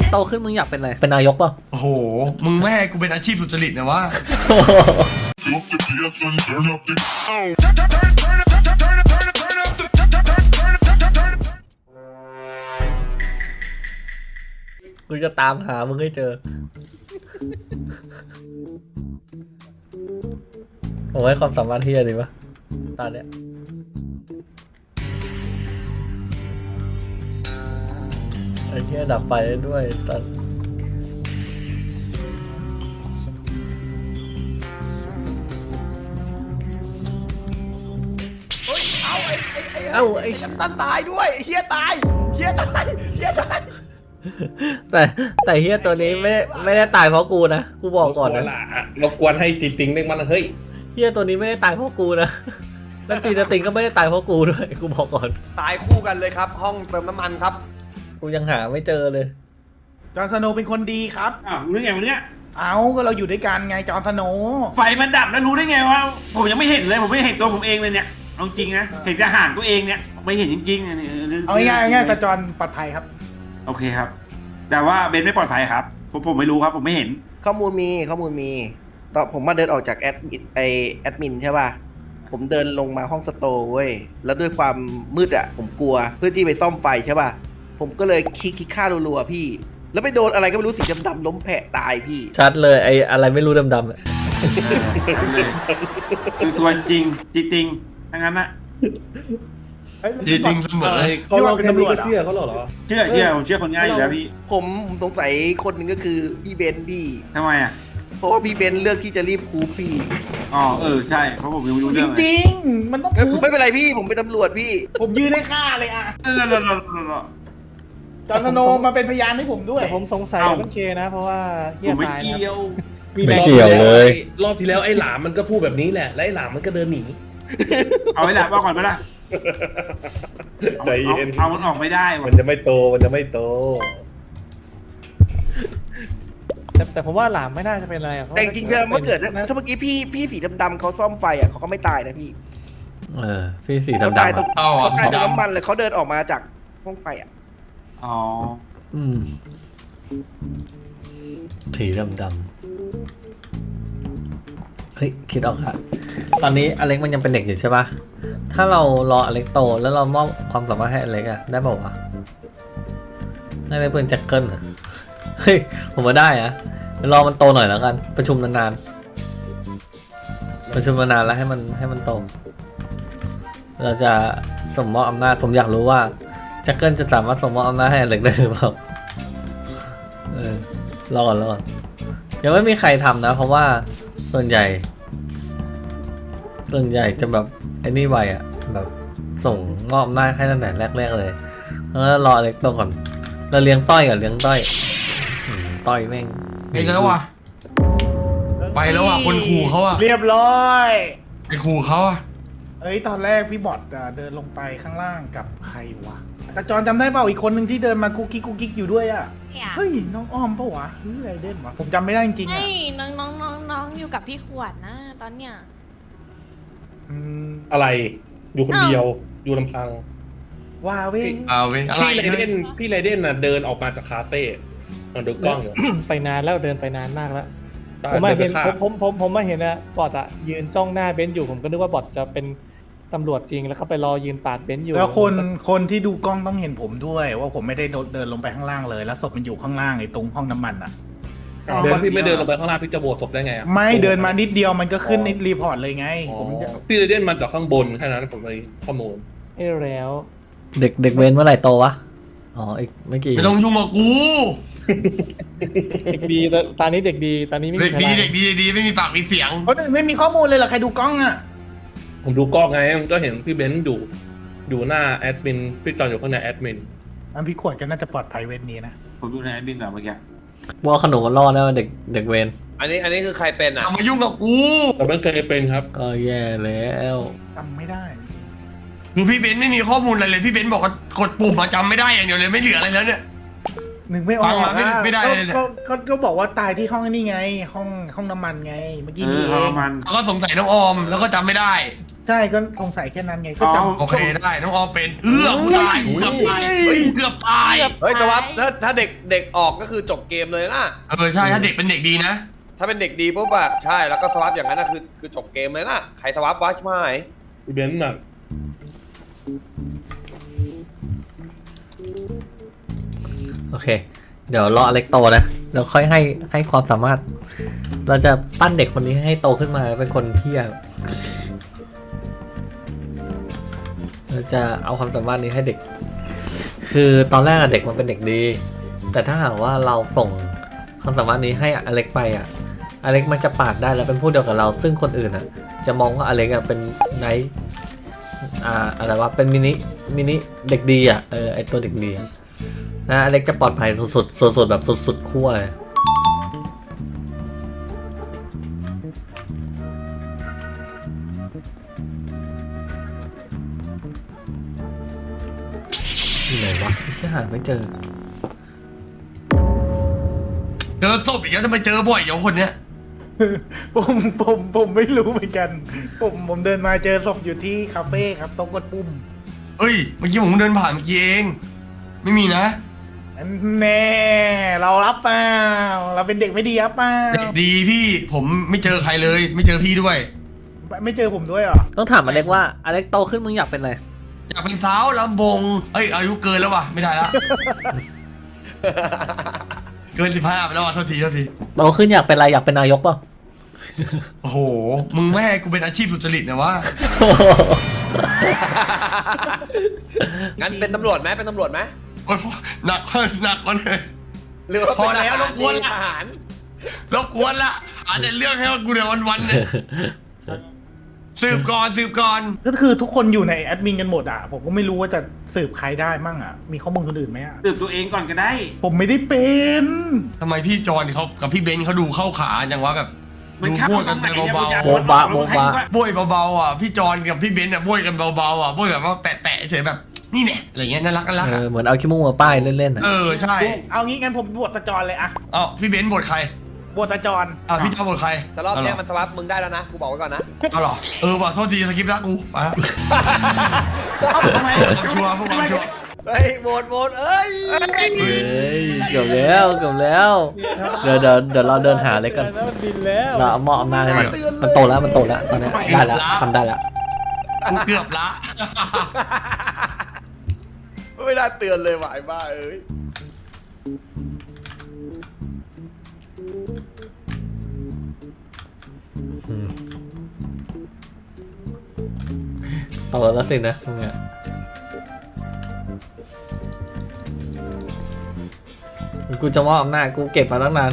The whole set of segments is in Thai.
กโตขึ้นมึงอยากเป็นอะไรเป็นนายกป่ะโอ้โหมึงไม่ให้กูเป็นอาชีพสุจริตนะวะกูจะตามหามึงให้เจอผมให้ความสามารถเฮียดีปะตอนเนี้ยไอ้เฮียดับไฟได้ด้วยตอนไอ้ตั้นตายด้วยเฮียตายเฮียตายเฮียตายแต่เฮียตัวนี้ไม่ได้ตายเพราะกูนะกูบอกก่อนนะรบกวนให้จีติงเรียกมันเฮ้ยเฮียตัวนี้ไม่ได้ตายเพราะกูนะแล้วจีนติงก็ไม่ได้ตายเพราะกูด้วยกูบอกก่อนตายคู่กันเลยครับ ห้องเติมน้ำมันครับกูยังหาไม่เจอเลยจอห์นสโนว์เป็นคนดีครับอ้าวรู้ได้ไงวะเนี่ยเอาก็เราอยู่ด้วยกันไงจอห์นสโนว์ไฟมันดับแล้วรู้ได้ไงว่าผมยังไม่เห็นเลยผมไม่เห็นตัวผมเองเลยเนี่ยเอาจริงนะเห็นแต่ห่างตัวเองเนี่ยไม่เห็นจริงๆเนี่ยเอาง่ายๆแต่จอห์นปลอดภัยครับโอเคครับ แต่ว่าเบนไม่ปลอดภัยครับผมไม่รู้ครับผมไม่เห็นข้อมูลมีตอนผมมาเดินออกจากแอดมินใช่ป่ะผมเดินลงมาห้องสโตร์เว้ยแล้วด้วยความมืดอ่ะผมกลัวเพื่อที่ไปซ่อมไฟใช่ป่ะผมก็เลยคลิกฆ่ารัวๆพี่ แล้วไปโดนอะไรก็ไม่รู้สีดำๆล้มแผะตายพี่ชัดเลยไอ้อะไรไม่รู้ดำๆอะคือส่วนจริงจริงทั้งนั้นนะจริงเสมอเขาลองเป็นตำรวจเชื่อเขาเหรอเชื่อผมเชื่อคนง่ายอยู่แล้วพี่ผมสงสัยคนหนึ่งก็คือพี่เบนซ์พี่ทำไมอ่ะเพราะว่าพี่เบนซ์เลือกที่จะรีบคูปพี่อ๋อใช่เพราะผมยังไม่รู้จเรื่องเลยริงๆ มันต้องเอ้ยพูดไม่เป็นไรพี่ผมเป็นตำรวจพี่ผมยืนให้ฆ่าเลยอ่ะเออจอห์นสโนว์มาเป็นพยานให้ผมด้วยแต่ผมสงสัยเอ้ามันเคนะ เพราะว่าเฮีผยมไม่ตายนะเกี่ยวไม่เกี่ยวเลยรอบที่แล้วไอ้หลามมันก็พูดแบบนี้แหละและไอ้หลามมันก็เดินหนีเอาไว้ละว่าก่อนไปละใจเย็นเอามันออกไม่ได้ว่ะมันจะไม่โตมันจะไม่โตแต่ผมว่าหลามไม่น่าจะเป็นอะไรอะพาะแต่จริงๆถ้าเกิดนะถ้าเมื่อกี้พี่สีดำๆเขาซ่อมไฟอ่ะเขาก็ไม่ตายนะพี่พี่สีเขาดำตายๆตรงอะเอาอ่ะเขาตายตรงสีดำน้ำมันเลยเขาเดินออกมาจากห้องไฟอ่ะอ๋อสีดำๆเฮ้ยคิดออกค่ะตอนนี้อเล็กมันยังเป็นเด็กอยู่ใช่ปะถ้าเรารออเล็กโตแล้วเรามอบความสามารถให้อเล็กอะได้ป่าวะได้เลยเป็นแจ็คเกิลอะเฮ้ยผมว่าได้อะเดี๋ยวรอมันโตหน่อยแล้วกันประชุมนานๆประชุมนานๆแล้วให้มันโตเราจะส่งมอบอำนาจผมอยากรู้ว่าแจ็คเกิลจะสามารถส่งมอบอำนาจให้อเล็กได้หรือเปล่ารอก่อนยังไม่มีใครทำนะเพราะว่าส่วนใหญ่จะแบบไอ้นี่ไวอะแบบส่งมอบอำนาจให้ตั้งแต่แรกๆเลยแล้วรออเล็กโตก่อนเราเลี้ยงต้อยก่อนเลี้ยงต้อยต้อยแม่งไปแล้วว่ะไปแล้วว่ะคนขู่เขาอ่ะเรียบร้อยไปขู่เขาอ่ะเอ้ยตอนแรกพี่บอทเดินลงไปข้างล่างกับใครวะแต่จอห์นจำได้เปล่าอีกคนหนึ่งที่เดินมากุ๊กกิ๊กอยู่ด้วยอ่ะเนี่ยเฮ้ยน้องอ้อมปะวะหรืออะไรเด่นวะผมจำไม่ได้จริงๆไอ้อ่ะน้องอยู่กับพี่ขวดนะ ตอนเนี้ยอืมอะไร อยู่คนเดียว อยู่ลำพังว้าเว้ยเอาเว้ยอะไรพี่ไรเดนน่ะเดินออกมาจากคาเฟ่นอนดูกล้องอยู่ไปนานแล้วเดินไปนานมากแล้วตอนผมมาเห็นดิไปฆ่าผมมาเห็นนะบอทอะยืนจ้องหน้าเบนซ์อยู่ผมก็นึกว่าบอทจะเป็นตำรวจจริงแล้วเขาไปรอยืนปาดเบนซ์อยู่แล้วคนที่ดูกล้องต้องเห็นผมด้วย ว่าผมไม่ได้เดินลงไปข้างล่างเลย แล้วศพมันอยู่ข้างล่างไอ้ตรงห้องน้ำมันอ่ะเดินพี่ไม่เดินลงไปข้างล่างพี่จะโหวตศพได้ไงอะไม่เดินมานิดเดียวมันก็ขึ้นในรีพอร์ตเลยไงอ๋อผมจะพี่ไรเดนมาจากข้างบนแค่นั้นผมเลยข้อมูลเอ้แล้วเด็กเวนเมื่อไหร่โตวะอ๋ออีกไม่กี่ไม่ต้องยุ่งกับกูเด็กดีตอนนี้เด็กดีตอนนี้ไม่เด็มีกดีอะไรเด็กดีเด็กดีไม่มีปากมีเสียงเขาไม่มีข้อมูลเลยเหรอใครดูกล้องอ่ะผมดูกล้องไงมันก็เห็นพี่เบนซ์อยู่หน้าแอดมินพี่จอนอยู่ข้างในแอดมินอันพี่ขวดก็น่าจะปลอดภัยเว้นนี้นะผมดูในแอดมินแบบเมื่อกี้ว่าขนมมันรอดแล้วเด็กเวนอันนี้คือใครเป็นอ่ะเอามายุ่งกับกูแต่มันเคยเป็นครับก็แย่แล้วจำไม่ได้คือพี่เบนซ์ไม่มีข้อมูลอะไรเลยพี่เบนซ์บอกว่ากดปุ่มมาจำไม่ได้อย่างเดียวเลยไม่เหลืออะไรแล้วเนี่ยนึกไม่ออกฟังมาไม่อะไม่ได้เลยเนี่ยก็บอกว่าตายที่ห้องนี่ไง ห้องน้ำมันไง เมื่อกี้เอนี่อเอเอางมันแล้วก็สงสัยน้องออมแล้วก็จำไม่ได้ใช่ก็สงสัยแค่นั้นไงก็อ๋อจำโอเคได้น้องออมเป็นกูตายกูเกือบตายเฮ้ยเกือบตายเฮ้ยสวัสดถ้าเด็กออกก็คือจบเกมเลยนะใช่ถ้าเด็กเป็นเด็กดีนะถ้าเป็นเด็กดีปุ๊บอะใช่แล้วก็สวัสดอย่างนั้นนะคือจบเกมเลยนะใครสวัสดวะใช่ไหมพี่เบนซ์น่ะโอเค เดี๋ยวรออเล็กโตนะเดี๋ยวค่อยให้ความสามารถ เราจะปั้นเด็กคนนี้ให้โตขึ้นมาเป็นคนเที่ยเราจะเอาความสามารถนี้ให้เด็ก คือตอนแรกอะเด็กมันเป็นเด็กดี แต่ถ้าหากว่าเราส่งความสามารถนี้ให้อเล็กไปอะอเล็กมันจะปาดได้แล้วเป็นผู้เดียวกับเรา ซึ่งคนอื่นอะจะมองว่าอเล็กอะเป็นไนท์อะไรวะเป็นมินิเด็กดีอะไอตัวเด็กดีนะอเล็กจะปลอดภัยสุดๆแบบสุดๆขั้วเลยอยู่ไหนวะที่หาไม่เจอเจอศพอีกแล้วทำไมเจอบ่อยอย่างคนเนี้ยผมไม่รู้เหมือนกัน ผมเดินมาเจอศพอยู่ที่คาเฟ่ครับต้องกดปุ่มเอ้ยเมื่อกี้ผมเดินผ่านเมื่อกี้เองไม่มีนะแน่เรารับเปล่าเราเป็นเด็กไม่ดีรับเปล่าเด็กดีพี่ผมไม่เจอใครเลย ไม่เจอพี่ด้วยไม่เจอผมด้วยเหรอต้องถามอเล็กว่าอเล็กโตขึ้นมึงอยากเป็นอะไรอยากเป็นสาวลำวงเอ้ยอายุเกินแล้ววะไม่ได้ละ เกิน15ไปแล้ววะโทษทีโตขึ้นอยากเป็นอะไรอยากเป็นนายกเปล่าโอ้โหมึงไม่ให้กูเป็นอาชีพสุจริตนะวะงั้นเป็นตำรวจไหมเป็นตำรวจไหมโอ้ยหนักกว่าเลยหรือว่าพอแล้วเป็นรบกวนทละหารรบกวนละอาจจะเรื่องให้กูเดี๋ยววันๆเนี่ยสืบก่อนก็คือทุกคนอยู่ในแอดมินกันหมดอ่ะผมก็ไม่รู้ว่าจะสืบใครได้มั่งอ่ะมีข้อมูลคนอื่นไหมอ่ะสืบตัวเองก่อนก็ได้ผมไม่ได้เป็นทำไมพี่จอนเขากับพี่เบนซ์เขาดูเข้าขาจังวะแบบมันดูข้ามบ้วยตกัรนงไหนไปเนี่ยเบาอยากโบ๊ะบะโบ๊ะบะๆบ้วยเบาๆอ่ะพี่จอนกับพี่เบนซ์อ่ะบ้วยกันเบาๆอ่ะบ้วยแบบว่าแปะๆเฉยแบบนี่เนี่ยอะไรเงี้ยน่ารักเหมือนเอาขี้มูกมาป้ายเล่นๆอ่ะใช่เอางี้งั้นผมบวชตาจรเลยอ่ะเอ้าพี่เบนซ์บทใครบวชตาจรพี่จอนบทใครแต่รอบเนี้ยมันสวัสดมึงได้แล้วนะกูบอกไว้ก่อนนะเอาเหรอว่ะโทษทีสกิปละกูไปละทำไมชัวร์พวกเราชัวร์เฮ้ยโหวตเอ้ยเฮ้ยเกือบแล้วเดี๋ยวเราเดินหาเลยกันแล้วมันบินแล้วเราเอาหม้ออำนาจให้มันโตแล้วตอนนี้ได้แล้วทำได้แล้วกูเกือบละไม่ได้เตือนเลยว่ะไอ้บ้าเอ้ยโตแล้วสินะมึงอะกูจะมอบอำนาจกูเก็บมาตั้งนาน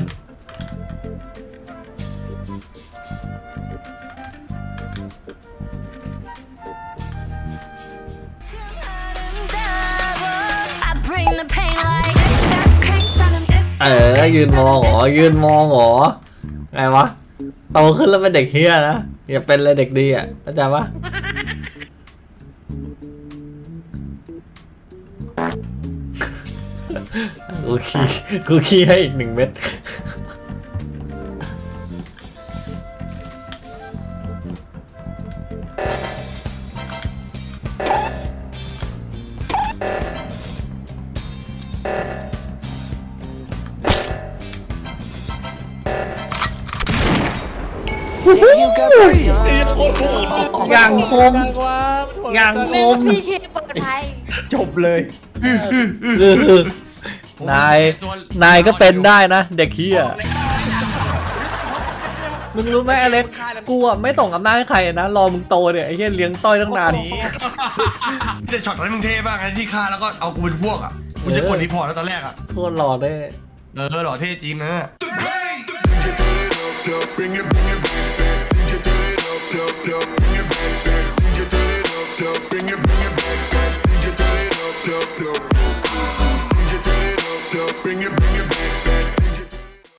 ยืนมองเหรอไงวะโตขึ้นแล้วเป็นเด็กเฮียนะอย่าเป็นเลยเด็กดีอ่ะเข้าใจปะกูขี้ให้อีก1 เม็ดอย่างคม อย่างคมพี่เคปลอดภัยจบเลยนายก็เป็นได้นะ เด็กเฮียมึงรู้ไหมอเล็กกูอ่ะไม่ส่งอำนาจให้ใครนะรอมึงโตเนี่ยไอ้เฮียเลี้ยงต้อยตั้งนานจะช็อตนั้นมึงเท่บ้างไงที่ฆ่าแล้วก็เอากูเป็นพวกอ่ะกูจะกดรีพอร์ตแล้วตอนแรกอ่ะโคตรหล่อได้หล่อเท่จริงนะ Bring it, bring it, bring it, bring it, bring it, bring it,